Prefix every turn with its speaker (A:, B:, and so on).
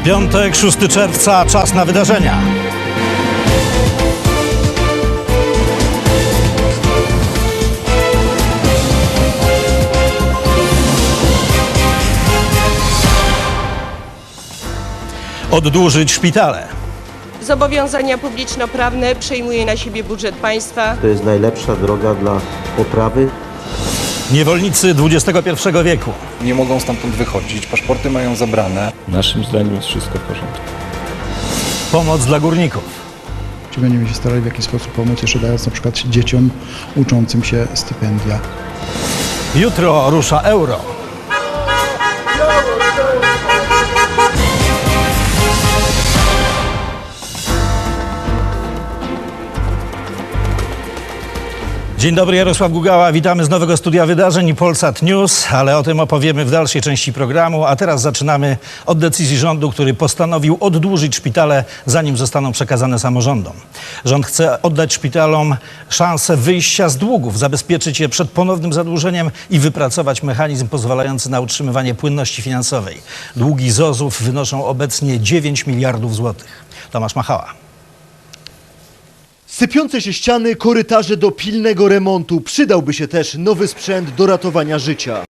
A: Piątek, 6 czerwca, czas na wydarzenia. Oddłużyć szpitale.
B: Zobowiązania publiczno-prawne przejmuje na siebie budżet państwa.
C: To jest najlepsza droga dla poprawy.
A: Niewolnicy XXI wieku.
D: Nie mogą stamtąd wychodzić, paszporty mają zabrane.
E: Naszym zdaniem jest wszystko w porządku.
A: Pomoc dla górników.
F: Czy będziemy się starali w jakiś sposób pomóc, jeszcze dając na przykład dzieciom uczącym się stypendia.
A: Jutro rusza euro. Dzień dobry, Jarosław Gugała. Witamy z nowego studia wydarzeń i Polsat News, ale o tym opowiemy w dalszej części programu. A teraz zaczynamy od decyzji rządu, który postanowił oddłużyć szpitale, zanim zostaną przekazane samorządom. Rząd chce oddać szpitalom szansę wyjścia z długów, zabezpieczyć je przed ponownym zadłużeniem i wypracować mechanizm pozwalający na utrzymywanie płynności finansowej. Długi ZOZ-ów wynoszą obecnie 9 miliardów złotych. Tomasz Machała.
G: Sypiące się ściany, korytarze do pilnego remontu. Przydałby się też nowy sprzęt do ratowania życia.